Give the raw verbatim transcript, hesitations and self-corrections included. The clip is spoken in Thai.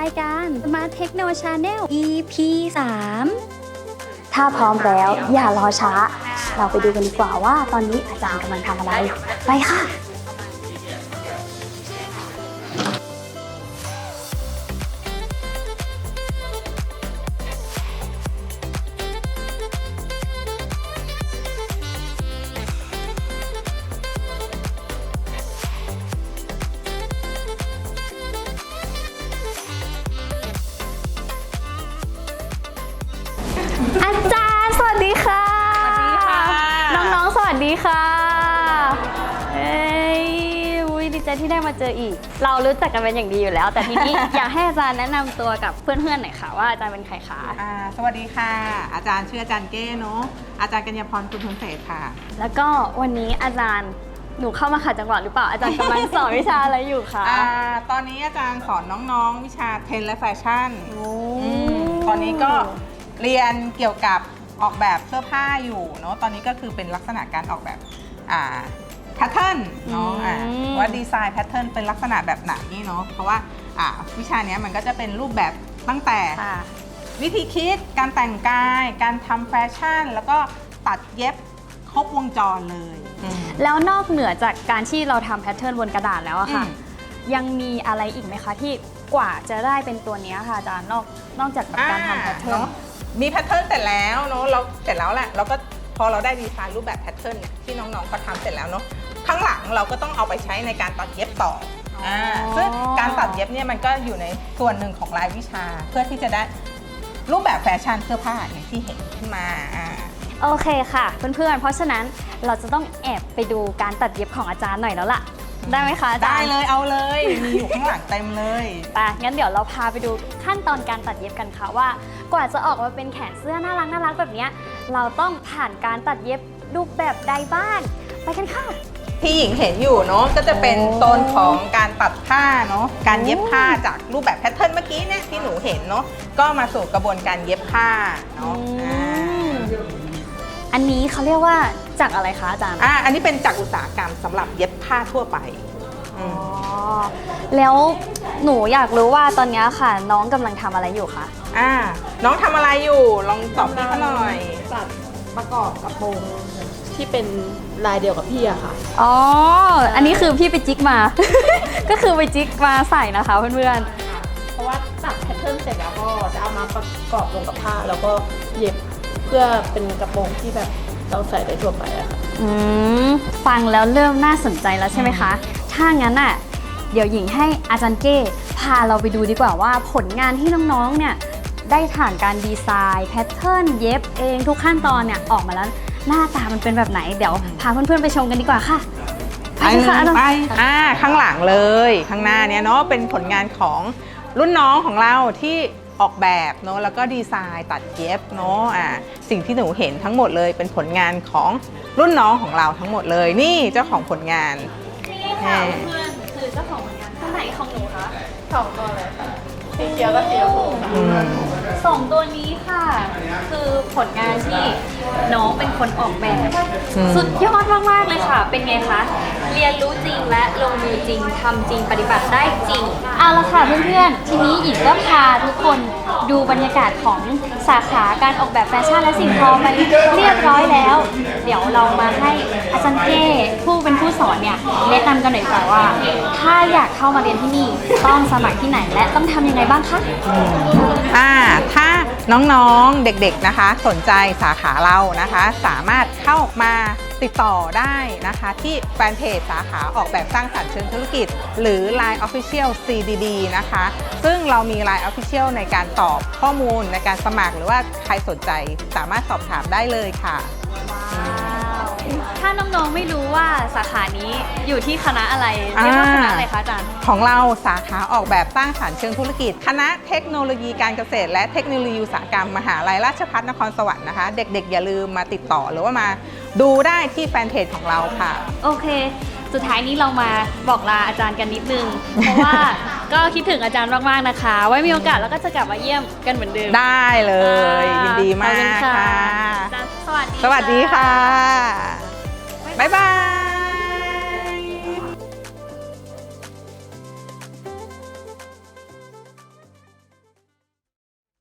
ายการ Smart Techno Channel อี พี สาม ถ้าพร้อมแล้วอย่ารอช้าเราไปดูกันดีกว่าว่าตอนนี้อาจารย์กำลังทำอะไรไปค่ะอาจารย์สวัสดีค่ะสวัสดีค่ะน้องๆสวัสดีค่ะเอ้ยอุ้ยดีใจที่ได้มาเจออีกเรารู้จักกันเป็นอย่างดีอยู่แล้วแต่ทีนี้ อยากให้อาจารย์แนะนำตัวกับเพื่อนๆหน่อยค่ะว่าอาจารย์เป็นใครคะอ่าสวัสดีค่ะอาจารย์ชื่ออาจารย์เก้เนาะอาจารย์กัญญาพรคุณพลเศษค่ะแล้วก็วันนี้อาจารย์หนูเข้ามาขัดจังหวะหรือเปล่าอาจารย์กำลังสอนวิชาอะไรอยู่คะอ่าตอนนี้อาจารย์สอนน้องๆวิชาเทรนด์และแฟชั่นตอนนี้ก็เรียนเกี่ยวกับออกแบบเสื้อผ้าอยู่เนาะตอนนี้ก็คือเป็นลักษณะการออกแบบอ่าแพทเทิร์นเนาะอ่าว่าดีไซน์แพทเทิร์นเป็นลักษณะแบบไหนเนาะเพราะว่าอ่าวิชานี้มันก็จะเป็นรูปแบบตั้งแต่วิธีคิดการแต่งกายการทำแฟชั่นแล้วก็ตัดเย็บครบวงจรเลยแล้วนอกเหนือจากการที่เราทำแพทเทิร์นบนกระดาษแล้วอะค่ะยังมีอะไรอีกไหมคะที่กว่าจะได้เป็นตัวนี้ค่ะอาจารย์นอกนอกจากการทำแพทเทิร์นมีแพทเทิร์นเสร็จแล้วเนาะเราเสร็จแล้วแหละเราก็พอเราได้ดีไซน์รูปแบบแพทเทิร์นเนี่ยที่น้องๆเขาทำเสร็จแล้วเนาะข้างหลังเราก็ต้องเอาไปใช้ในการตัดเย็บต่ออ่าซึ่งการตัดเย็บเนี่ยมันก็อยู่ในส่วนหนึ่งของรายวิชาเพื่อที่จะได้รูปแบบแฟชั่นเสื้อผ้าอย่างที่เห็นขึ้นมาอ่าโอเคค่ะเพื่อนๆเพราะฉะนั้นเราจะต้องแอบไปดูการตัดเย็บของอาจารย์หน่อยแล้วล่ะได้ไหมคะอาจารย์ได้เลยเอาเลยมีอยู่ข้างหลังเต็มเลยไปงั้นเดี๋ยวเราพาไปดูขั้นตอนการตัดเย็บกันค่ะว่ากว่าจะออกมาเป็นแขนเสื้อน่ารักน่ารักแบบนี้เราต้องผ่านการตัดเย็บรูปแบบใดบ้างไปกันค่ะที่หญิงเห็นอยู่เนาะก็จะเป็นโซนของการตัดผ้าเนาะการเย็บผ้าจากรูปแบบแพทเทิร์นเมื่อกี้เนี่ยที่หนูเห็นเนาะก็มาสู่กระบวนการเย็บผ้าเนาะอันนี้เขาเรียกว่าจากอะไรคะอาจารย์อ่าอันนี้เป็นจากอุตสาหกรรมสำหรับเย็บผ้าทั่วไปอ๋อแล้วหนูอยากรู้ว่าตอนนี้ค่ะน้องกำลังทำอะไรอยู่คะอ่าน้องทำอะไรอยู่ลองตอบพี่เขาหน่อยตัดประกอบกระโปรงที่เป็นลายเดียวกับพี่อะค่ะอ๋ออันนี้คือพี่ไปจิกมา ก็คือไปจิกมาใส่นะคะเพื่อนๆเพราะว่าตัดแพทเทิร์นเสร็จแล้วก็จะเอามาประกอบลงกับผ้าแล้วก็เย็บเพื่อเป็นกระโปรงที่แบบเราใส่ได้ทั่วไปอะค่ะอืมฟังแล้วเริ่มน่าสนใจแล้วใช่ไหมคะถ้างั้นอ่ะเดี๋ยวหญิงให้อาจารย์เก้พาเราไปดูดีกว่าว่าผลงานที่น้องๆเนี่ยได้ผ่านการดีไซน์แพทเทิร์นเย็บเองทุกขั้นตอนเนี่ยออกมาแล้วหน้าตามันเป็นแบบไหนเดี๋ยวพาเพื่อนๆไปชมกันดีกว่าค่ะไปค่ะไปอ่าข้างหลังเลยข้างหน้าเนี้ยเนาะเป็นผลงานของรุ่นน้องของเราที่ออกแบบเนาะแล้วก็ดีไซน์ตัดเย็บเนาะอ่าสิ่งที่หนูเห็นทั้งหมดเลยเป็นผลงานของรุ่นน้องของเราทั้งหมดเลยนี่เจ้าของผลงานนี่ค่ะเพื่อนคือเจ้าของผลงานข้างไหนของหนูคะสองตัวเลยค่ะสีเขียวกับสีชมพูสองตัวนี้ค่ะคือผลงานที่น้องเป็นคนออกแบบสุดยอดมากๆเลยค่ะเป็นไงคะเรียนรู้จริงและลงมือจริงทำจริงปฏิบัติได้จริงเอาละค่ะเพื่อนๆทีนี้หญิงก็พาทุกคนดูบรรยากาศของสาขาการออกแบบแฟชั่นและสิ่งทอมาเรียบร้อยแล้วเดี๋ยวเรามาให้อาจารย์เก้ผู้เป็นผู้สอนเนี่ยแนะนำกันหน่อยค่ะว่าถ้าอยากเข้ามาเรียนที่นี่ต้องสมัครที่ไหนและต้องทำยังไงบ้างคะอ่าถ้าน้องๆเด็กๆนะคะสนใจสาขาเรานะคะสามารถเข้ามาติดต่อได้นะคะที่แฟนเพจสาขาออกแบบสร้างสรรค์เชิงธุรกิจหรือ ไลน์ Official ซี ดี ดี นะคะซึ่งเรามี ไลน์ Official ในการตอบข้อมูลในการสมัครหรือว่าใครสนใจสามารถสอบถามได้เลยค่ะถ้าน้องๆไม่รู้ว่าสาขานี้อยู่ที่คณะอะไรเรียกว่าคณะอะไรคะอาจารย์ของเราสาขาออกแบบสร้างสรรค์เชิงธุรกิจคณะเทคโนโลยีการเกษตรและเทคโนโลยีอุตสาหกรรมมหาลัยราชภัฏนครสวรรค์นะคะเด็กๆอย่าลืมมาติดต่อหรือว่ามาดูได้ที่แฟนเพจของเราค่ะโอเคสุดท้ายนี้เรามาบอกลาอาจารย์กันนิดนึงเพราะว่าก็คิดถึงอาจารย์มากๆนะคะไว้มีโอกาสแล้วก็จะกลับมาเยี่ยมกันเหมือนเดิมได้เลยยินดีมากค่ะสวัสดีสวัสดีค่ะบ๊ายบาย